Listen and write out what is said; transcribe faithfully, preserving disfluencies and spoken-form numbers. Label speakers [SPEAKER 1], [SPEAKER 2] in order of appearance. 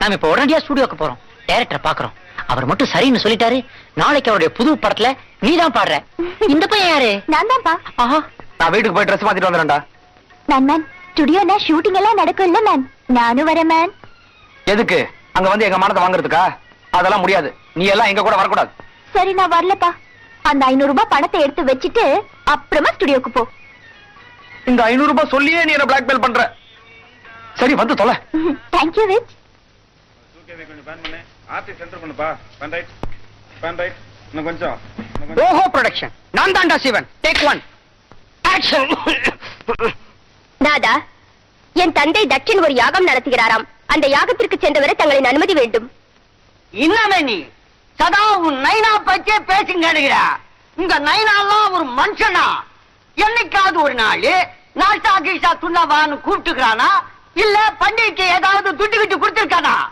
[SPEAKER 1] நாம இப்ப உடனடியா ஸ்டுடியோக்கு போறோம். டைரக்டர் பாக்குறோம். அவர் மட்டும் சரின்னு சொல்லிட்டாரு. நாளைக்கு அவருடைய புது படத்துல நீதான் பாடுற. இந்த பையன் யாரு?
[SPEAKER 2] நான் தான்ப்பா.
[SPEAKER 1] ஆஹா,
[SPEAKER 3] நான் வீட்டுக்கு போய் ட்ரெஸ் மாத்திட்டு வந்துடுறேன்டா.
[SPEAKER 2] மேன் மேன் ஸ்டுடியோல ஷூட்டிங் எல்லாம் நடக்கும் இல்ல மேன்? நானும் வரேன் மேன்.
[SPEAKER 3] எதுக்கு? அங்க வந்து எங்க மானத்தை வாங்குறதுக்கா? அதெல்லாம் முடியாது. நீ எல்லாம் எங்க கூட வரக்கூடாது.
[SPEAKER 2] சரி நான் வரலப்பா. அந்த ஐநூறு ரூபாய் பணத்தை எடுத்து வச்சுட்டு அப்புறமா ஸ்டுடியோக்கு போ.
[SPEAKER 3] இந்த ஐநூறு ரூபாய் சொல்லியே நீ என்ன பிளாக்மெயில் பண்ற. சரி வந்து தொலை.
[SPEAKER 2] தேங்க்யூ விச்.
[SPEAKER 4] கொஞ்சம் பேன் பண்ணு. ஆர்டி சென்டர் பண்ணுப்பா. Pan right. Pan right. இன்னும் கொஞ்சம்.
[SPEAKER 1] ஓஹோ ப்ரொடக்ஷன். நான் தான்டா சிவன். Take one. ஆக்ஷன்.
[SPEAKER 2] தாதா, என் தந்தை தட்சன் ஒரு யாகம் நடத்துகிறாராம். அந்த யாகத்திற்கு சென்றவரை தங்களின் அனுமதி வேண்டும்.
[SPEAKER 1] இன்னமே நீ சதா உன் நைனா பச்சே பேசுங்க. உங்க நைனாலாம் ஒரு மனுஷனா? என்னைக்காவது ஒரு நாள் நாஷ்டா கீஷா துண்ணவான்னு கூப்பிட்டுக்கிறானா? இல்ல பண்டிகைக்கு ஏதாவது துட்டு கிட்டு கொடுத்திருக்கானா?